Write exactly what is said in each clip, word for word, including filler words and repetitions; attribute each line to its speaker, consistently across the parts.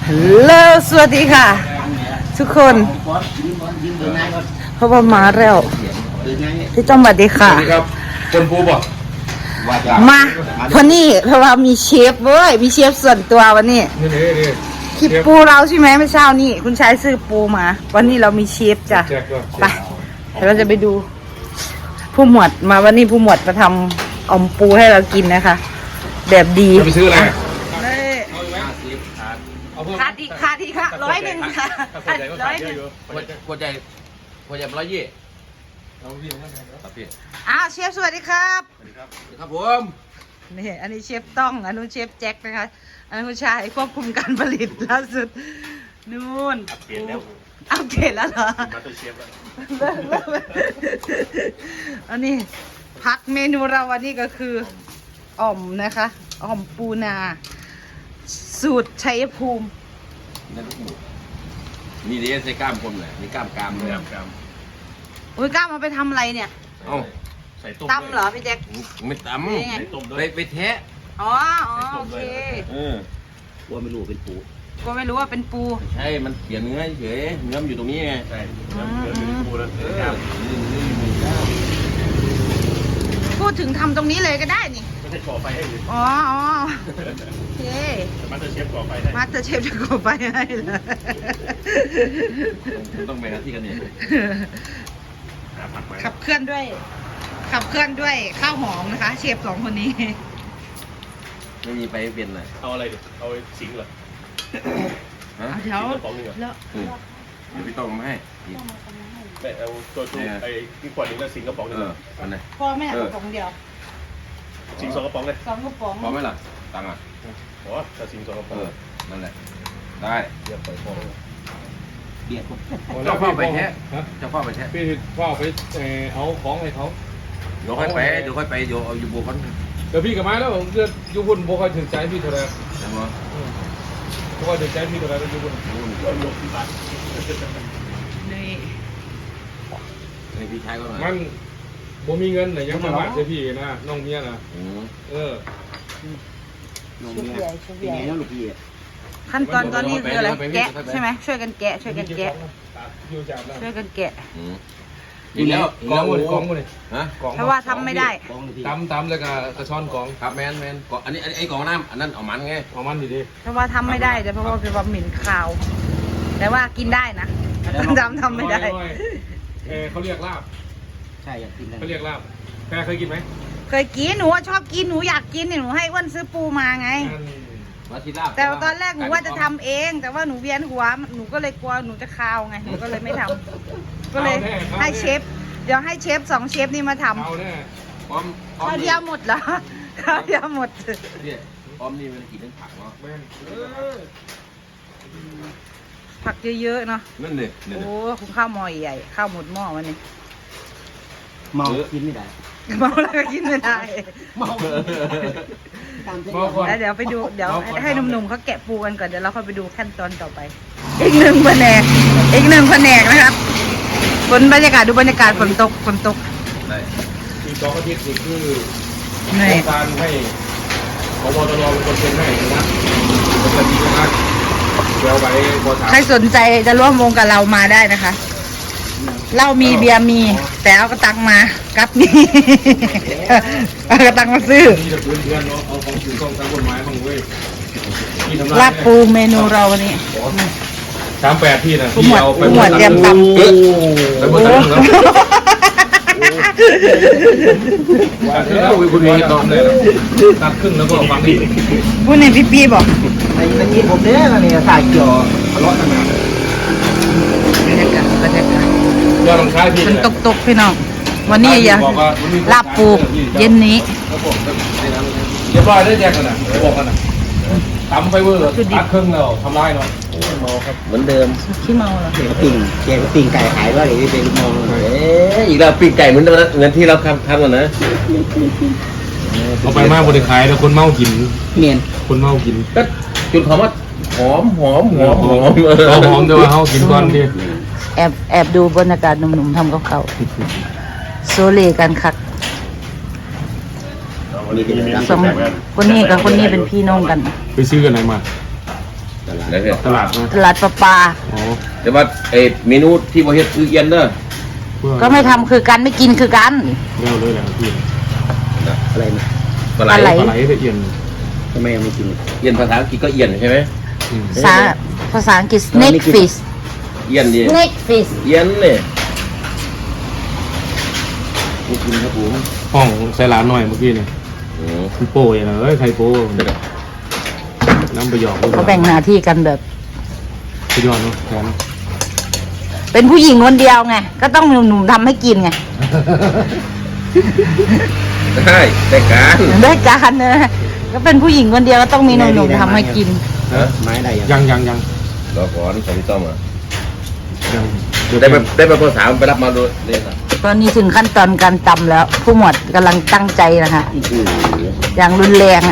Speaker 1: ฮัลโหลสวัสดีค่ะทุกคนเพราะว่ามาแล้วพี่จอมสวัสดีค่ะ
Speaker 2: ครับคนปูบอก
Speaker 1: มาเพราะนี่เพราะว่ามีเชฟเว้ยมีเชฟส่วนตัววันนี้คลิปปูเราใช่ไหมไม่เช้านี่คุณชายซื้อปูมาวันนี้เรามีเชฟจ้ะไปเดี๋ยวเราจะไปดูผู้หมวดมาวันนี้ผู้หมวดมาทำอมปูให้เรากินนะคะแบบดี
Speaker 2: จะไปซื้ออะไร
Speaker 1: ขาดอีกขาดอีกค่ะร้อยหนึ่งค่ะร้อยหนึ่ง
Speaker 2: ขวดใหญ่ขวดใหญ่ร้อยยี่
Speaker 1: อ้าวเชฟสวัสดีครับ
Speaker 2: สวัสดีครับครับผม
Speaker 1: นี่อันนี้เชฟต้องอันนู้นเชฟแจ็คนะคะอันนู้นชายควบคุมการผลิตล่าสุดนู่นอัปเกรดแล้วอัปเกรดแล้วเหรอมาตัวเชฟแล้วอันนี้พักเมนูเราวันนี้ก็คืออ่อมนะคะอ่อมปูนาสูตรชัยภูมิ
Speaker 2: นี่เดี๋ยวใส่กล้ามคนเลยมีกล้ามกล้ามเลยกล้าม
Speaker 1: โอ้ยกล้ามมาไปทำอะไรเนี่ย
Speaker 2: เอ้าใส่ต้ม
Speaker 1: ตำเหรอพี่แจ็ค
Speaker 2: ไม่ตำใส่ต้มด้วยไปแทะ
Speaker 1: อ๋ออ๋อโอเค
Speaker 2: เออว่าไม่รู้เป็นปู
Speaker 1: ก็ไม่รู้ว่าเป็นปู
Speaker 2: ใช่มันเปลี่ยนเนื้อเฉยเนื้อมันอยู่ตรงนี้ไงใช่เนื้อเป็นปูแล้ว
Speaker 1: พูดถึงทำตรงนี้เลยก็ได้นี่
Speaker 2: ไม่ใช่ก่อไฟให้เลย
Speaker 1: อ๋ออ๋อโอเค
Speaker 2: มาสเตอร์เชฟก่อไฟให้
Speaker 1: มาสเตอร์เชฟจะก่อไฟให้เหรอ
Speaker 2: ต้องไปหาที่กันเนี่ย
Speaker 1: ขับเคลื่อนด้วยขับเคลื่อนด้วยข้าวหอมนะคะเชฟสองคนนี้
Speaker 2: ไม่มีไปเปลี่ยนเลยเอาอะไรดิเอาสิงเหรอ
Speaker 1: ฮะเดี๋ยว
Speaker 2: แล้วเดี๋ยวพี่ต้องมาให้แต่เอาตัวตัวไอ้ที่ขวดนึงแล้วสิงกระป๋องนึงอันไหน
Speaker 1: พ่อแม่กระป๋องเดียว
Speaker 2: สิงสองกระป๋องเลย
Speaker 1: สองกระป๋อง
Speaker 2: พอไหมล่ะตังอ่ะโอ้ถ้าสิงสองกระป๋องนั่นแหละได้เดี๋ยวปล่อยพอเบียดเจ้าพ่อไปแท้เจ้าพ่อไปแท้
Speaker 3: พี่พ่อไปเอาของให้เขา
Speaker 2: เดี๋ยวค่อยไปเดี๋ยวค่อยไปอยู่เอาอยู่บัวกัน
Speaker 3: เดี๋ยวพี่กับไม้แล้วผมจะอยู่บนบัวคอยถึงใจพี่เท่าไร
Speaker 2: ใช่ไหม
Speaker 3: บัวคอยถึงใจพี่เท่าไรอยู่บนลบที่บ้าน
Speaker 1: นี่
Speaker 2: นี่พี่ชายก็มา
Speaker 3: มันผมมีเงินแต่ยังมาบ้านเสียพี่นะน้องเมียนะเออ
Speaker 1: น้องเมียเป็นไงน้องลูกพี่ขั้นตอนตอนนี้คืออะไรแกะใช่ไหมช่วยกันแกะช่วยกันแกะช่วยกันแกะ
Speaker 2: อีกแล้ว
Speaker 3: กองเลยกองเลย
Speaker 2: ฮะ
Speaker 1: เพราะว่าทำไม่ได้
Speaker 3: ตำตำแล้วก็กระชอนกอง
Speaker 2: ครับแมนแมนกองอันนี้ไอ้กองน้ำอันนั้นเอามันไง
Speaker 3: เอามันดีดี
Speaker 1: เพราะว่าทำไม่ได้แต่เพราะว่าเป็นความเหม็นคาวแต่ว่ากินได้นะทำทำไม่ได้
Speaker 3: เออเขาเรียกลาบ
Speaker 4: ใช่อยากกิน
Speaker 3: เขาเรียกลาบแกเคยกินไหม
Speaker 1: เคยกินหนูชอบกินหนูอยากกินเนี่ยหนูให้อ้วนซื้อปูมาไงแต่ตอนแรกหนูว่าจะทำเองแต่ว่าหนูเวียนหัวหนูก็เลยกลัวหนูจะคาวไงหนูก็เลยไม่ทำก็เลยให้เชฟเดี๋ยวให้เชฟสองเชฟนี่มาทำข้าวเดียวหมดเหรอข้าวเดียวหมด
Speaker 2: เนี่ยออมนี่มันกินทั้งผักเนาะ
Speaker 1: ผักเยอะๆเนาะ
Speaker 2: นั่นเลย
Speaker 1: โอ้คุณข้าวหม้อใหญ่ข้าวหมดหม้อวันนี้
Speaker 4: เมากินไม่ได้
Speaker 1: เมาแล้วก็กินไม่ได้
Speaker 4: เมา
Speaker 1: แล้วเดี๋ยวไปดูเดี๋ยวให้หนุ่มๆเขาแกะปูกันก่อนเดี๋ยวเราค่อยไปดูขั้นตอนต่อไปอีกหนึ่งแผนกอีกหนึ่งแผนกนะครับฝนบรรยากาศดูบรรยากาศฝนตกฝนตก
Speaker 3: ที่สองอาทิตย์นี่คือการให้พบตรเป็นคนเซ็นให้นะเป็นคดีนะเดี๋ยวไป
Speaker 1: ใครสนใจจะร่วมวงกับเรามาได้นะคะเหล้ามีเบียร์มีแต่เอากระตังมากับนี่เอากระตังมาซื้อลาบปูเมนูเราวันนี้
Speaker 3: สามแปดพี่นะ
Speaker 1: พี่เอาไปหมดเตรียมตำไป
Speaker 3: หมดแล้วคุณมีตอนเลยตัดครึ่งแล้วก็ฟังดี
Speaker 1: พูดในพี่ปีบอก
Speaker 4: ไอ้ตะกี้ผมเนี่ยนี่สายเกี่ยวทะเลาะกันมา
Speaker 1: บรรยากาศบรรยากาศ
Speaker 3: ยอดลงท้ายพี่
Speaker 1: ตกตกพี่น้องวันนี้อย่าลาบปูเย็นนี้
Speaker 3: เรียบร้อยได้แยกกันนะบอกกันนะทำไปเวอร์ตัดครึ่งแล้วทำลายเนาะ
Speaker 4: เมาครับเหมือนเดิม
Speaker 1: ขี้เมาเหรอ
Speaker 4: ปิ่งแกปิ่งไก่ขายว่าหรือเป็นมอง
Speaker 2: เอ๊ะอีกแล้วปิ่งไก่เหมือนเดิมเงินที่เราทำทำกันนะ
Speaker 3: เอาไปมากคนขายแต่คนเมากิน
Speaker 4: เมียน
Speaker 3: คนเมากิน
Speaker 2: ก็จุดหอมว่าหอมหอมหอมหอม
Speaker 3: หอมเดี๋ยวเขากินก่อนดิ
Speaker 1: แอบแอบดูบรรยากาศหนุ่มๆทำกับเขาโซเลกันคักสมคนนี้กับคนนี้เป็นพี่น้องกัน
Speaker 3: ไปซื้อกันไหนมา
Speaker 1: ต
Speaker 2: แล้วเนี่ย
Speaker 3: ตลาดนะ
Speaker 1: ตลาดประปา
Speaker 3: อ๋อ
Speaker 2: แต่ว่าเอ้เมนูที่บ่เฮ็ดคือเอียนเด้อ
Speaker 1: ก็ไม่ทำคือกันไม่กินคือกัน
Speaker 3: แก้วเลยแหละพี่
Speaker 4: อะไรนะ
Speaker 2: ปลาไหล
Speaker 1: ปลาไหล
Speaker 3: ปลาไหลละเอียด
Speaker 4: ทำไมยังไม่กิน
Speaker 2: เอียนภาษาอังกฤษก็เอียนใช่ไหม
Speaker 3: อืม
Speaker 1: ภาษาภาษาอังกฤษ snake fish
Speaker 2: เอียนดิ
Speaker 1: snake fish
Speaker 2: เอียนเนี่ยขอบคุณครับผม
Speaker 3: ห้องใส่ร้านหน่อยเมื่อกี้เนี่ย
Speaker 2: อืม
Speaker 3: คุณโป้ยนะเอ้ยใครโป้น้ำไปหยอก
Speaker 1: เขาแบ่งหน้าที่กันแบบ
Speaker 3: ไปหยอกเนาะแทน
Speaker 1: เป็นผู้หญิงคนเดียวไง ก็ต้องมีหนุ่มๆทำให้กินไง
Speaker 2: ได้ได้การ
Speaker 1: ได้การนะก็เป็นผู้หญิงคนเดียวก็ต้องมีหนุ่มๆทำให้กิน
Speaker 2: ฮะ
Speaker 4: ไม้ได้ยัง
Speaker 3: ยังยังยัง
Speaker 2: รอก่อนของพี่ต้อมอ่ะ
Speaker 3: ยัง
Speaker 2: ได้ไปได้ไปภาษาไปรับมาดูเลยครับ
Speaker 1: ตอนนี้ถึงขั้นตอนการตำแล้ว ผู้หมวดกำลังตั้งใจนะคะ
Speaker 2: โอ้โห
Speaker 1: อย่างรุนแรงอ่ะ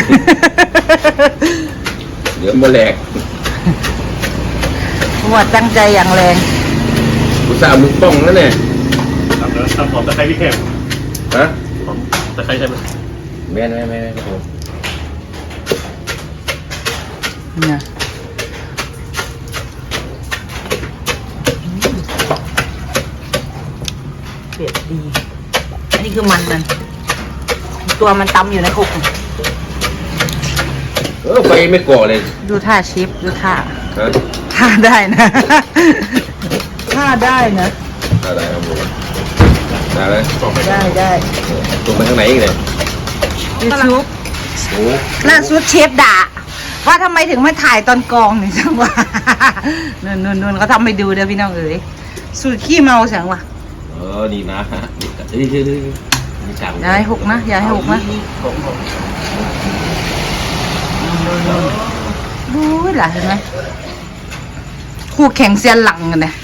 Speaker 2: เดี๋ยวมาแหลก
Speaker 1: ผู้หมวดตั้งใจอย่างแรง
Speaker 2: อุตส่าห์มึงป้องนั่นเนี่ย
Speaker 3: ทำแล้วทำหอมตะไคร้พี่แข็ง
Speaker 2: ฮะ
Speaker 3: หอมตะไคร้ใช่ไหม
Speaker 2: แม่นแม่นแม่นแม่นครับผม
Speaker 1: เนี่ยเผ็ดดี อันนี้คือมันมันตัวมันตำอยู่ในคุก
Speaker 2: เออไฟไม่ก่อเลย
Speaker 1: ดูท่าเชฟดูท่า
Speaker 2: ฮะ
Speaker 1: ท่าได้นะ ท่าได้นะ
Speaker 2: อะไรครับผมได้ไหม
Speaker 1: ได้ได้
Speaker 2: ตรงไปทางไหนอีกเนี่ย
Speaker 1: ยูทูบ
Speaker 2: โอ้
Speaker 1: ล่าสุดเชฟด่า ว่าทำไมถึงไม่ถ่ายตอนกองเนี่ยจังหวะ นุ่นนุ่นนุ่นเขาทำให้ดูเด้อพี่น้องเอ๋ยสูตรขี้เมาเสียงว่ะ
Speaker 2: เออนี่นะเฮ้ยเฮ้ยเฮ้ยมีจัง
Speaker 1: อย่าให้หกนะอย่าให้หกนะดูล่ะเห็นไหมคู่แข่งเซียนหลังกันเนี่ย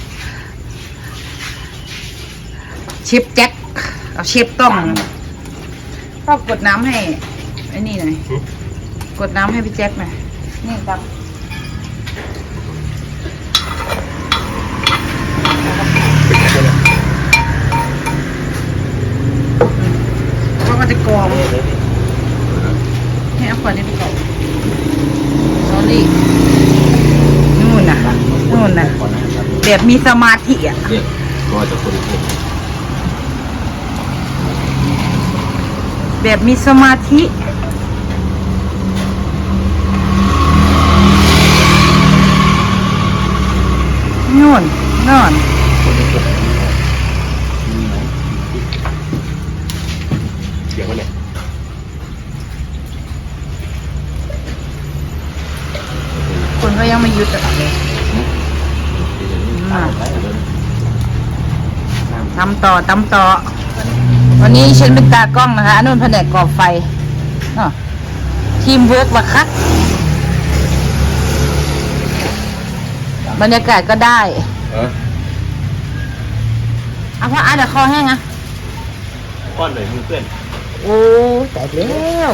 Speaker 1: เชฟแจ็คเอาเชฟต้องก็กดน้ำให้ไอ้นี่หน่อยกดน้ำให้พี่แจ็คหน่อยนี่ครับเพราะมันจะกรองให้เอาขวดนี้ไปก่อนสอรี่นู่นน่ะนู่นน่ะแบบมีสมาธิอ่ะ
Speaker 2: เนี่ยก็จะคนเดียว
Speaker 1: แบบมีสมาธินู่นนู่น
Speaker 3: เดี๋ยวมันเนี่ย
Speaker 1: คนก็ยังไม่หยุดอ่ะอ่ะทำต่อทำต่อ วันนี้ฉันเป็นตากล้องนะคะอันนู้นแผนกก่อไฟเนาะทีมเวิร์กว่ะครับบรรยากาศก็ได้
Speaker 2: ฮะ
Speaker 1: เอาพ่ออ่ะเดี๋ยวคอแห้งอ่ะ
Speaker 3: ก้อนหน่อยมือเพื่อน
Speaker 1: โอ้แต่แล้ว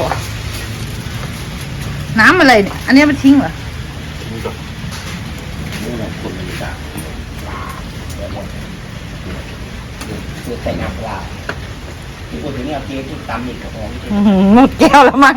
Speaker 1: น้ำอะไรเนี่ย อันนี้มันทิ้งเหรอ
Speaker 3: มือก่อน
Speaker 4: นี่แหละคนมันจะคือใส่น้ำปลาที่พูดถึงเนี่ยเจ๊ที่ตำอีกกระป๋องที่
Speaker 1: อื้อหือหมดแก้วแล้วมั้ง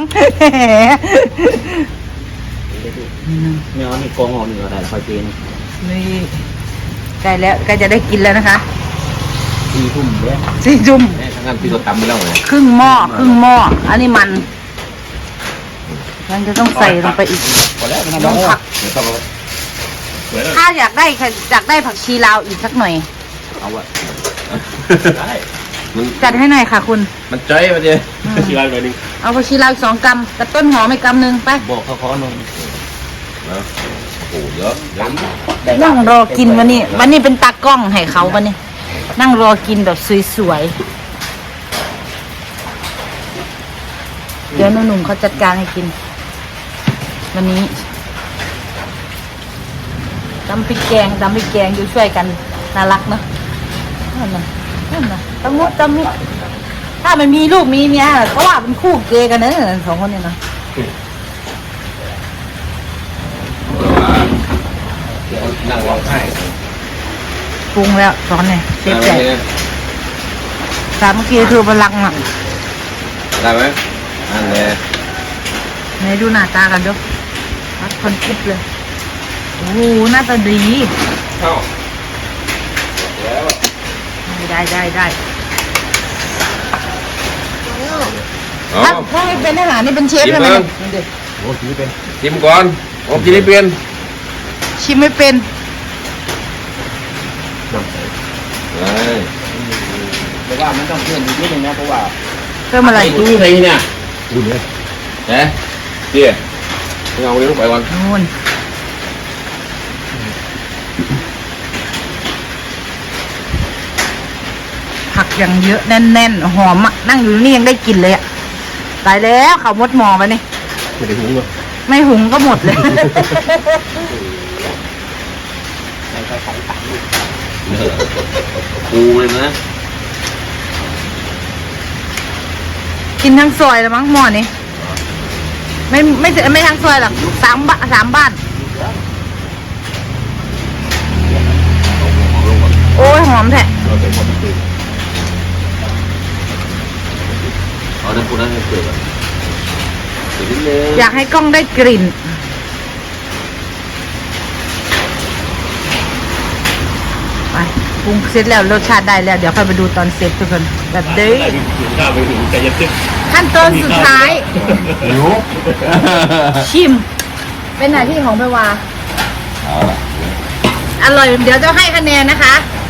Speaker 4: เนื้อนี่กองออกเนื้อได้แล้วค่อยเจ๊น
Speaker 1: นี่ใกล้แล้วใกล้จะได้กินแล้วนะคะ
Speaker 4: สี่ทุ่มเด้อ
Speaker 1: สี่จุ่ม
Speaker 2: แม่ทั้งนั้นพี่ก็ตำไปแล้วไง
Speaker 1: ครึ่งหม้อครึ่งหม้ออันนี้มันมันจะต้องใส่ลงไปอีก
Speaker 4: พอแล้วมัน
Speaker 1: ต้
Speaker 4: น้
Speaker 1: อ
Speaker 4: องง
Speaker 1: ผัก
Speaker 2: เดี๋ยวต้องเอา
Speaker 3: สวยเลย
Speaker 1: ถ้าอยากได้อยากได้ผักชีลาวอีกสักหน่อย
Speaker 2: เอาอะ
Speaker 3: ได้
Speaker 2: มัน
Speaker 1: จัดให้หน่อยค่ะคุณ
Speaker 2: มันจ้อยมาเดียว
Speaker 1: อืม
Speaker 3: ชีร้านหน่อยนึง
Speaker 1: เอาผักชีลาวอีกสองกรัมกับต้นหอมอีกกรัมหนึ่งไป
Speaker 4: บอกเขาขอนม
Speaker 2: นะโอ้โหเยอะเยอะ
Speaker 1: นั่งรอกินวันนี้ วันนี้เป็นตากล้องให้เขาวันนี้ นั่งรอกินแบบสวยๆ เดี๋ยวหนุ่มๆเขาจัดการให้กิน วันนี้ตำพริกแกงตำพริกแกงอยู่ช่วยกันน่ารักเนอะนั่นน่ะนั่นน่ะตะมุตะมิถ้ามันมีลูกมีเมียเขาว่าเป็นคู่เกย์กันเนอะสองคนเนี่ยนะ
Speaker 2: นั่งร้องไห้
Speaker 1: ปรุงแล้วตอนนี้เชฟใหญ่
Speaker 2: ได้ไหม
Speaker 1: สามเมื่อกี้คือพลังอ่ะ
Speaker 2: ได้ไหมอันนี้
Speaker 1: ไหนดูหน้าตากันดูวัดคนคิดเลยโอ้โหหน้าตาดี
Speaker 2: เข้าแล้ว
Speaker 1: ได้ได้ได้
Speaker 2: เอา
Speaker 1: ถ้าถ้าไม่เป็นอาหารนี่เป็นเชฟ
Speaker 2: กิน
Speaker 1: ใช่ไหม
Speaker 2: บ้าง
Speaker 1: เนี่ย
Speaker 3: โอ้ทีเป็น
Speaker 2: ชิมก่อนผมกินไม่เป็น
Speaker 1: ชิมไม่เป็น
Speaker 3: น้ำใส
Speaker 2: เอ้ย
Speaker 4: แต่ว่ามันต้องเพิ่มอีกนิดนึงนะเพราะว่า
Speaker 1: เพิ่มอะไร
Speaker 4: ตู้ไหนเนี่ย
Speaker 3: อุ่นเลย
Speaker 2: เอ๊ะเจี๊ยบเอาเลี้ยงลงไปก่อน
Speaker 1: นู่นผักอย่างเยอะแน่นๆหอมอ่ะนั่งอยู่นี่ยังได้กลิ่นเลยอ่ะตายแล้วเขาวมดหมอมานี่
Speaker 3: ไม่ได้หุงหรอ
Speaker 1: ไม่หุงก็หมดเลย
Speaker 4: ในไฟใส่ตัก
Speaker 2: ปูเลยนะ
Speaker 1: กินทั้งซอยแล้วมั้งหม้อนี้ไม่ไม่ถึงไม่ทั้งซอยหรอกสามบ้านสามบ้าน โอ้ยหอมแท้
Speaker 3: เราใส่ความตื่น
Speaker 2: เอาน้ำปูนั้นให้เกิดอ่ะเดี๋ยวนิดนึง
Speaker 1: อยากให้กล้องได้กลิ่นไปปรุงเสร็จแล้วรสชาติได้แล้วเดี๋ยวค่อยไปดูตอนเสร็จทุกคนแบบเด้
Speaker 3: ได้ถึงข้าวไปถึงใจเย็น
Speaker 1: ขั้นตอนสุดท้าย
Speaker 2: หิว
Speaker 1: ชิม เป็นหน้าที่ของแพรวา
Speaker 2: เอาล่ะ
Speaker 1: อร่อยเดี๋ยวจะให้คะแนนนะคะ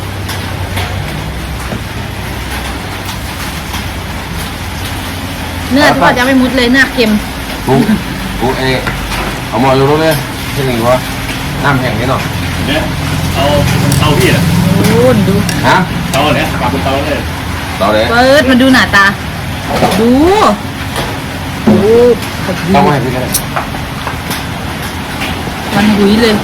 Speaker 1: เนื้อทอดยังไม่มุดเลยเนื้อเค็ม
Speaker 2: ปูปูเอเอาหมออยู่รู้เลยที่หนึ่งวะน้ำแห้งนิดหน่อย
Speaker 3: เนี่ยเอาเตาพี่อ่ะ
Speaker 1: โอ้ดู
Speaker 2: ฮะ
Speaker 3: เตาเนี่ยปากบนเตาเลย
Speaker 2: ต่อเลย
Speaker 1: เปิดมาดูหน้าตา ดูโอ้ขอบดู
Speaker 2: ต้องให้พี่กันเลย
Speaker 1: มันหุยเลย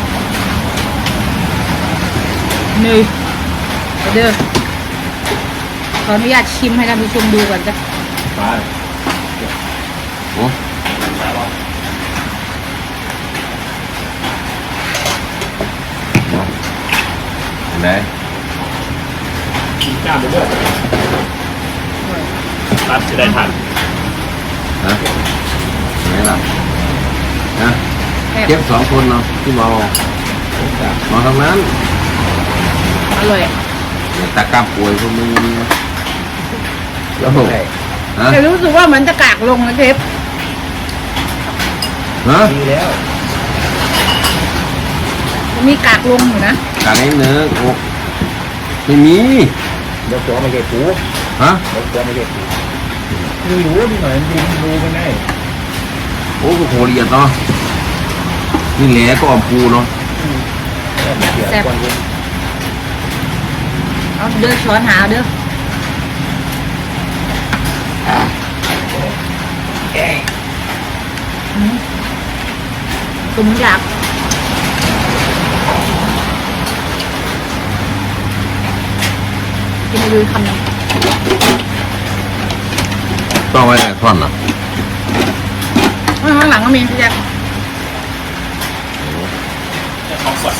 Speaker 1: นี่เอาเด้อขออนุญาตชิมให้ท่านผู้ชมดูก่อนจ้ะ
Speaker 3: มา
Speaker 2: โอ้เห็นไหม
Speaker 3: จ้าไปด้วยตัดจะได้ทัน
Speaker 2: ฮะเห็นไหมล่ะฮะ
Speaker 1: แซ่บ
Speaker 2: เก็บสองคนเนาะที่เมาเมาทั้งนั้น
Speaker 1: อร่อย
Speaker 2: เนี่ยตากล้ามป่วยพวกมึงแล้วฮะ
Speaker 1: แต่รู้สึกว่ามันจะกากลงนะเทป
Speaker 2: ฮะ
Speaker 3: ดีแล้ว
Speaker 1: มีกากลงอยู่นะ
Speaker 2: การนี้เนื้อโอ้ไม่มี
Speaker 3: เดี๋ยวตัวไม่เก็บปู
Speaker 2: ฮะ
Speaker 3: เดี๋ยวตัวไม่เก็บปูดูอยู่นิดหน่อยดูดูกันได้
Speaker 2: โอ้ก็โหละเอียดเนาะนี่แหละก็อมปูเนาะ
Speaker 1: แซ่บเอาเด้อช้อนหาเด้ออืมตุ้มอยากกินให้ดูคำหนึง
Speaker 2: ต้องไว้ท่อนเหรอ
Speaker 1: ข้างหลังก็มีพี่แจ๊ค
Speaker 3: ของก่อน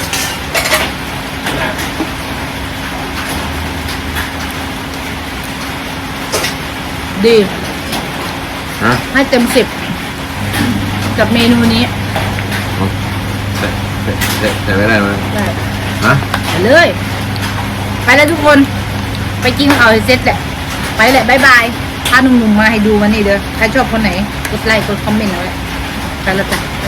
Speaker 1: ดี
Speaker 2: ฮะ
Speaker 1: ให้เต็มสิบกับเมนูนี้
Speaker 2: แต่แต่แต่แต่ไม่ได้ไหม
Speaker 1: ได้
Speaker 2: ฮะ
Speaker 1: ไปเลย ไปแล้วทุกคน ไปกินข้าวให้เสร็จแหละ ไปแหละบายบายพาหนุ่มๆมาให้ดูวันนี้เด้อ ใครชอบคนไหน กดไลค์ กดคอมเมนต์เอาไว้ไปแล้วจ้ะ